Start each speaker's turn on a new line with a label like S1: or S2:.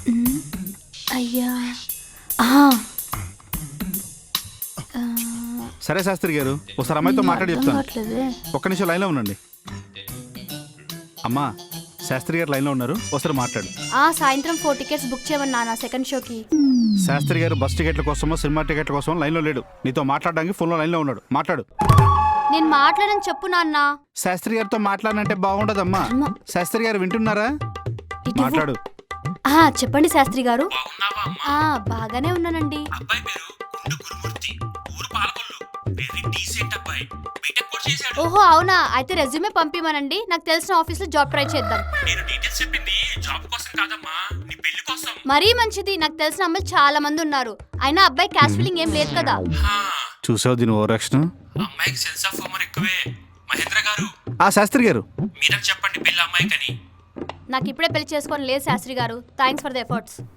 S1: అయ్యా
S2: సరే శాస్త్రి గారు, ఒకసారి అమ్మాయితో మాట్లాడి చెప్తాను.
S1: కావట్లేదే.
S2: ఒక్క నిమిషం లైన్లో ఉండండి. అమ్మా, శాస్త్రి గారు లైన్లో ఉన్నారు, ఒకసారి మాట్లాడు.
S1: సాయంత్రం 4 టికెట్స్ బుక్ చేయమని నాన్న సెకండ్ షోకి.
S2: శాస్త్రి గారు బస్ టికెట్ల కోసమో సినిమా టికెట్ల కోసమో లైన్లో లేడు. నీతో మాట్లాడడానికి ఫోన్లో లైన్లో ఉన్నాడు. మాట్లాడు.
S1: నేను మాట్లాడని చెప్పు నాన్న.
S2: శాస్త్రి గారితో మాట్లాడినంటే బాగుండదమ్మా. శాస్త్రి గారు వింటున్నారా?
S1: ఇటు.
S2: మాట్లాడు.
S1: చెప్పండి శాస్త్రి గారు. బాగానే ఉన్నానండి.
S3: అబ్బాయి పేరు గుండు గురుమూర్తి, ఊరు పాలకొల్లు. వెరీ డీసెంట్ అబ్బాయి, బీటెక్ కూడా చేశాడు.
S1: ఓహో అవునా, అయితే రెజ్యూమే పంపిమనండి. నాకు తెలిసిన ఆఫీస్ లో జాబ్ ట్రై చేద్దాం.
S3: నేను డీటెయిల్స్ చెప్పింది జాబ్ కోసం కాదమ్మా, నీ పెళ్లి కోసం.
S1: మరీ మంచిది. నాకు తెలిసిన అమ్మాయిలు చాలా మంది ఉన్నారు. అయినా అబ్బాయి క్యాస్ట్ ఫీలింగ్ ఏం లేదు కదా.
S2: చూసావు దీని ఓవరాక్షన్?
S3: అమ్మాయికి సెన్స్ ఆఫ్ హ్యూమర్ ఎక్కువే. మహేంద్ర గారు,
S2: శాస్త్రి గారు
S3: మీరే చెప్పండి పెళ్లి అమ్మాయికని.
S1: నాకు ఇప్పుడే పెళ్లి చేసుకొని లేదు శాస్త్రి గారు. Thanks for the efforts.